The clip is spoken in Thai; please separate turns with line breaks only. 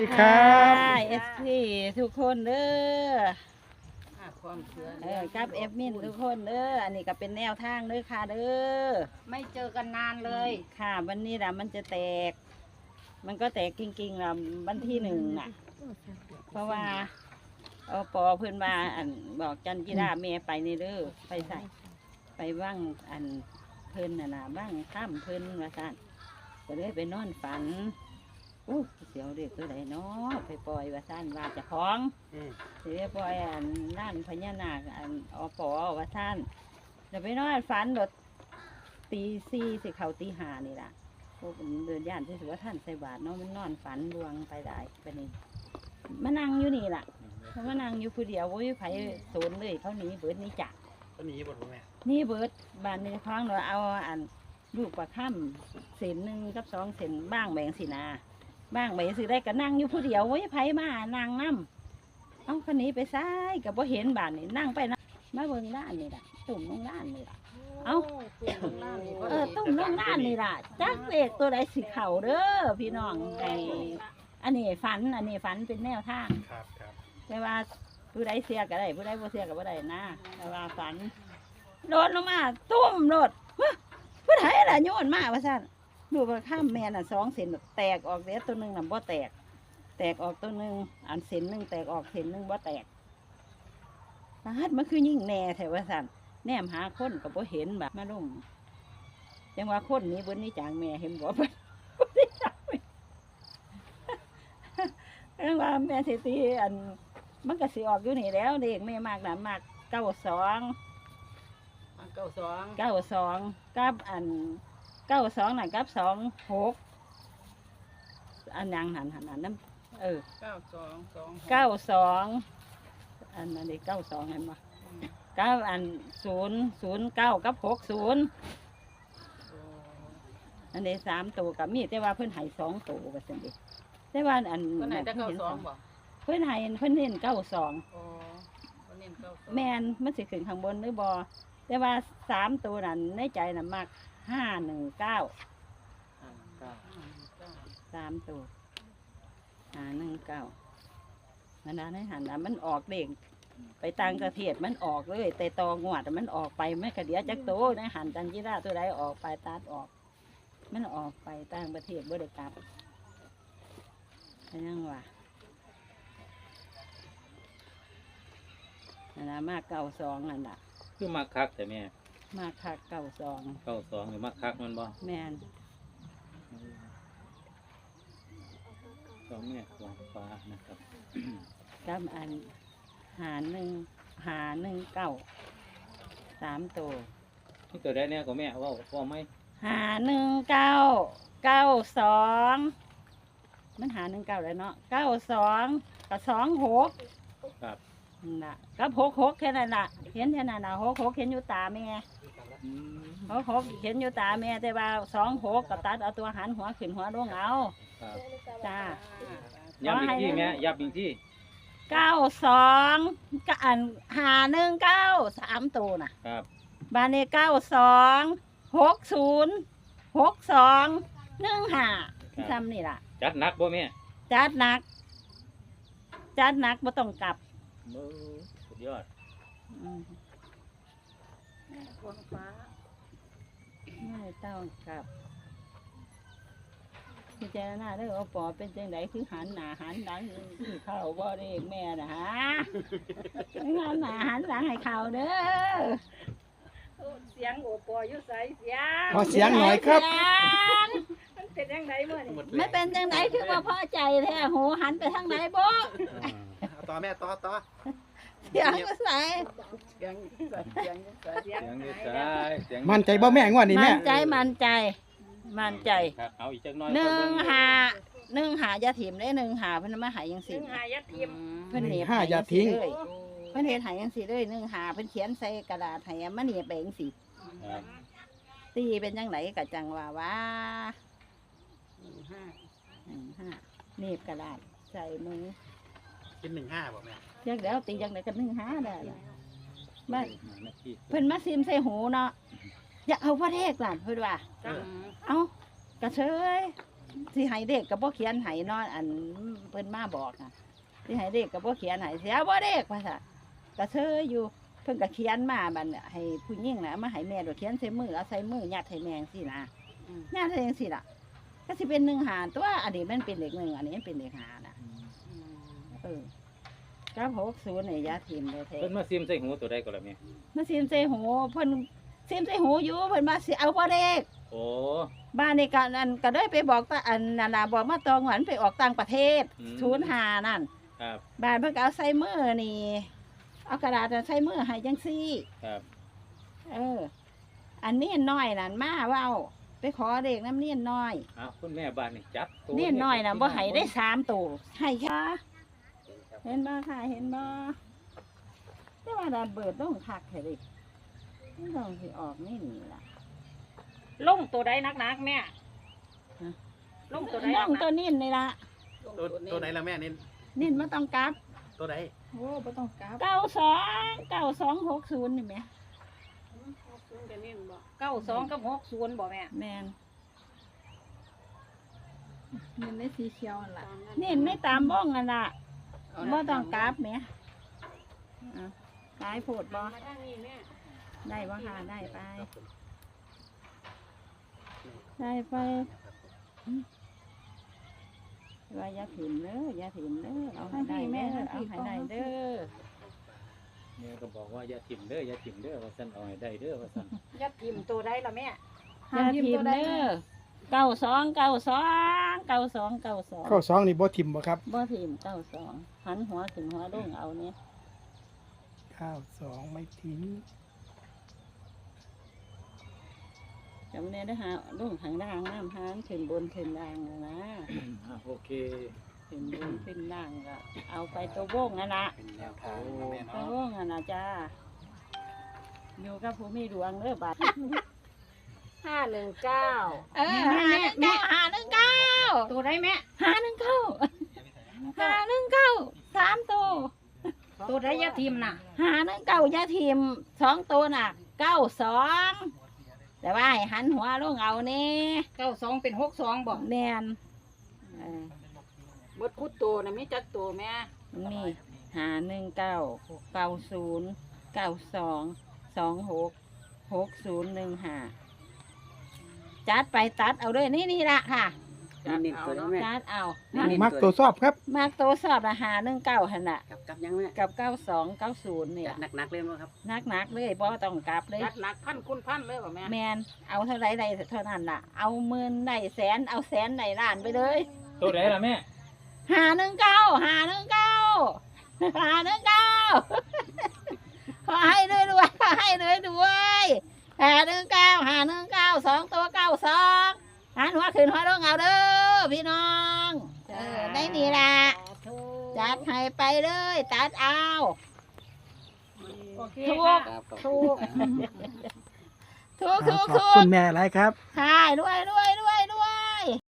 ดีครับ
เอฟซีทุกคนเด้อ
ความเชื่อ
กับเอฟมินทุกคนเด้ออันนี้ก็เป็นแนวทางเด้อค่ะเด้อ
ไม่เจอกันนานเลย
ค่ะวันนี้นะมันจะแตก มันก็แตกจริงๆละวันที่1น่ะ เพราะว่าปอเพื่อนมาอันบอกจันจิราเมไปในเด้อไปใส่ไปว่างอันเพิ่นน่ะนะว่างข้ามเพิ่นว่าสั่นก็เลยไปนอนฝันอู้เสียวเด็กตัวใดเนาะไปปล่อยว่าสั่นว่าเจะของเสียปล่อยอันนั่นพญานาคอันปอว่าสั่นเดี๋ยวไปนอนฝันโดดตี4สิเขาตี5นี่ล่ะพวกเดินย่านที่สุว่าท่านใส่บาตรเนาะมันนอนฝันดวงไปได้ไปนี่มานั่งอยู่นี่ล่ะเขามานั่งอยู่ผู้เดียวโว้ยไผโซนเลยเขาหนีเบิดหนี่จัก
ก็หนีบทแม่
นี่เบิดบ้านในคลองเราเอาอันลูกปลาค่ำเศษ1กับ2เศษบ้างแบ่งสินาบ้างแบ่งสิได้ก็นั่งอยู่ผู้เดียวโว้ยไผมานั่งน้ำเอาคนนี้ไปซ้ายกับบ่เห็นบ้านนี่นั่งไปนะมาเบิ่งด้านนี่ล่ะตุ่มลงด้านนี่ล่ะเอาตุ่มลงด้านนี่ล่ะจักเลขตัวใดสิเข่าเด้อพี่น้องไอ้อันนี้ฝันเป็นแนวทาง
ครับ
แต่ว่าผู้ใดเสียก็ได้ผู้ใดบ่เสียก็บ่ได้นะแต่ว่าฝันโดดลงมาตุ้มโดดผู้ใดล่ะโยนมาว่าซั่นดูกระข้ามแม่น่ะ2เส้นแตกออกเด้ตัวหนึงน่ะบ่แตกออกตัวหนึงอันเส้นหนึงแตกออกเส้นหนึงบ่แตกมันคือยิ่งแน่แท้ว่าซั่นแนมหาคนก็บ่เห็นแบบมาลุ่มจังว่าคนนี้เบิ่นนี่จางแม่เห็นบ่เพิ่นบ่ได้จักจังว่าแม่สิตีอันมันก็สิออกอยู่นี่แล้วเด็กแม่มากน่ะมาก92 กับอัน92น่ะกับ26อันยังหันนั่น92อันนั้น92เห็นบ่กับอัน009กับ60อันนี้3ตัวกับมีแต่ว่าเพิ่นให้2ตัวว่าซั่นดิแต่ว่าอัน
คนไหนจะเข้าสองบ่
เพิ่นให้เพิ่นเน้น92
อ๋อคนเน้น92
แม่นมันสิขึ้นข้างบนหรือบ่แต่ว่า3ตัวนั้นในใจน่ะมัก519 3ตัว519นั่นน่ะในหันน่ะมันออกเด้งไปต่างประเทศมันออกเลยแต่ตองวดมันออกไปไม่กระเดียจักโตในหันจันจิราตัวใดออกไปตัดออกมันออกไปต่างประเทศบ่ได้กลับยังว่านั่นน่ะมาก92นั่นน่ะ
คือมักคักแต่แม่
มากคัก92
92หรือมักคักมันบ่
แม่น
สองแม่ขวางฟ้านะครับ
กับอันหา119 3ตัว
นี่ตัวได้เนี่ยก็แม่ว่าไหม
519 92มัน519แล้วเนาะ92กับ26
ครับ
น่ะกับ66แค่นั้นน่ะเห็นแค่นั้นน่ะ66เห็นอยู่ตาแม่66เห็นอยู่ตาแม่แต่ว่า26ก็ตัดเอาตัวหันหัวขึ้นหัวลงเอา
ครับ
จ้า
ย้ำอีกที่แม่ย้ำอีกที่
92ก็อัน519 3ตัวน่ะ
ครับ
บ้านเลข92 60 62 15ซ้ำนี่ล่ะ
จัดหนักบ่แม่
จัดหนักบ่ต้องกลับ
สุดยอด
อืม
คนฟ้า
ไม่ต้องกลับพิจารณาเด้อว่าปอเป็นจังไดคือหันหน้าหันหลังคือเข้าบ่ได้แม่น่ะฮะหันหน้าหันหลังให้เข้าเด้อ
เสียงโอปออยู่ใสเสียง
ขอเสียงหน่อยครับ
มันเป็นยังไงเมื่อนี่
ไม่เป็นจังไดคือว่าพอใจแท้โหหันไปทางไหนบ่
ต่อแม่ต่อ
เสียงก็ใส่
เสียงเสียง
เสียงยืดใจเสียง
มั่นใจบ่แม่งวดนี้แม่
มั่นใจมั่นใจ
ครับเอาอีกจักหน้อย
15อย่าถิ่มได้15เพิ่นมาใหายจังซี่
หายัดทิม
เพิ่นเหน็บ
อย่าทิ้ง
เลยเพิ่นเฮ็ดใหายจังซี่เลย15เพิ่นเขียนใส่กระดาษให้มาเหน็บไปจังซี่
ครับ
ตีเป็นจังไดก็จังว่า
15
เหน็บกระดาษใส่มือ
เป็น15บ่แม่
จักแล้วตีจังไดก็15ได้ล่ะมา
นาที
เพิ่นมาซิมใส่หูเนาะอย่าเอาพระเทศล่ะเพิ่นว่า
จัง
เอากระเชยสิให้เด็กก็บ่เขียนให้เนาะอันเพิ่นมาบอกน่ะสิให้เด็กก็บ่เขียนให้เสียบ่เด็กว่าซั่นก็เซยอยู่เพิ่นก็เขียนมาบัดน่ะให้ผู้หญิงน่ะเอามาให้แม่โดยเขียนใส่มือเอาใส่มือยัดให้แม่จังซี่นะยัดให้จังซี่ล่ะก็สิเป็น1 หารตัวอันนี้มันเป็นเลข1อันนี้มันเป็นเลข5น่ะกับ60นี่อย่าทิ่มเลยแท้
เพิ่นมาซิมใส่หูตัวใดก็ล่ะแม่
มาซิมใส่หูเพิ่นซิมใส่หูอยู่เพิ่นมาสิเอาบ่เด็ก
โอ้
บ้านนี่ก็นั่นก็ได้ไปบอกตาอันนั่นน่ะบอกมาตองหวันไปออกต่างประเทศ05นั่น
ครับ
บ้านเพิ่นก็เอาใส่มือนี่เอากระดาษใส่มือให้จังซี่
ครับ
อันนี้น้อยนั่นมาเว้าไปขอเด็กน้ำเนียนน้อย
อ้าวคุณแม่บ้านนี่จับตัว
เนียนน้อยน่ะบ่ให้ได้3ตัวให้ค่ะเห็นบ่ค่ะเห็นบ่แต่ว่าดานเบิดต้องคักแท้ดิมันต้องสิออกนี่ล่ะ
ลงตัวใดนักๆแม่ลงตัวใด
น้องตัวนิ่นนี่ล่ะ
ตัวไหนล่ะแม่นี่
นิ่นบ่ต้องกลับ
ตัวไหน
โอ้บ่ต้องกลับ
9260นี่แหม
92กับ60บ่แม่
แม่น
เงินในสีเขียวนั่นล่ะ
นิ่นไม่ตามบ้องนั่นล่ะบ่ต้องกลับแหมตายโพดบ่
มาทางนี้แม่
ได้บ่ค่ะได้ไป ได้ไปว่าอย่าถิ่มเด้ออย่าถิ่มเด้อเอาให้ได้เด้อเอาให้ได้เด้อ
แม่ก็บอกว่าอย่าถิ่มเด้ออย่าถิ่มเด้อว่าซั่นเอาให้ได้เด้อว่าซั่น
ยัดทิมตัวใดล่ะแม่
อย่าถิ่มเด้อ9292
ข้อ2นี่บ่ทิ่มบ่ครับ
บ่ถิ่ม92หันหัวขึ้นหัวลงเอาเนี่ย
92ไม่ทิ้ง
จำเนี่ยได้หาลงข้างล่างน้ำหางขึ้นบนขึ้นล่างนะ
โอเค
ขึ้นบนขึ้นล่างก็เอาไปตัวโบงนั่นละ
เป็นแนวทางนะแม่
ตัว
เนาะ
โบงนั่นนะจ้าอยู่กับผู้มีดวงเด้อบัด
519
แม่519
ตัวใดแม่
519 3ตัว
ตัวใดยัดทิมน่ะ
519ยาทีม2ตัวน่ะ92แต่ว่าให้หันหัวลงเอานี่
92เป็น62บ่
แม่น
เบิดคุดตัวน่ะมีจักตัวแม่
มี519 90 92 26 6015จัดไปตัดเอาด้วยนี่ละค่ะ
นิ่มตัวใดแม่
จัดเอา
มักตัวชอบครับ
มากตัวสอบละ519หั่นน่ะ
กับยังแม่
กับ92 90นี่
หนักๆเลยบ่ครับ
นักเลยบ่ต้องกลับเลย
ยัดหนักพันคุณพันเลยบ่แม่
แมนเอาเท่าไรได้เท่านั้นล่ะ เอาหมื่นได้แสนเอาแสนได้ล้านไปเลย
ตัวไหนล่ะแม่
519ขอให้ด้วยขอให้ด้วย519 2ตัว92หันหัวขึ้นหัวลงเอาเด้อพี่น้องได้นี่ล่ะจัดให้ไปเลยตัดเอา
โอเค
ถูก
ค่ะ
ถูก
ขอบคุณแม่หลายครับ
ค่ะรวย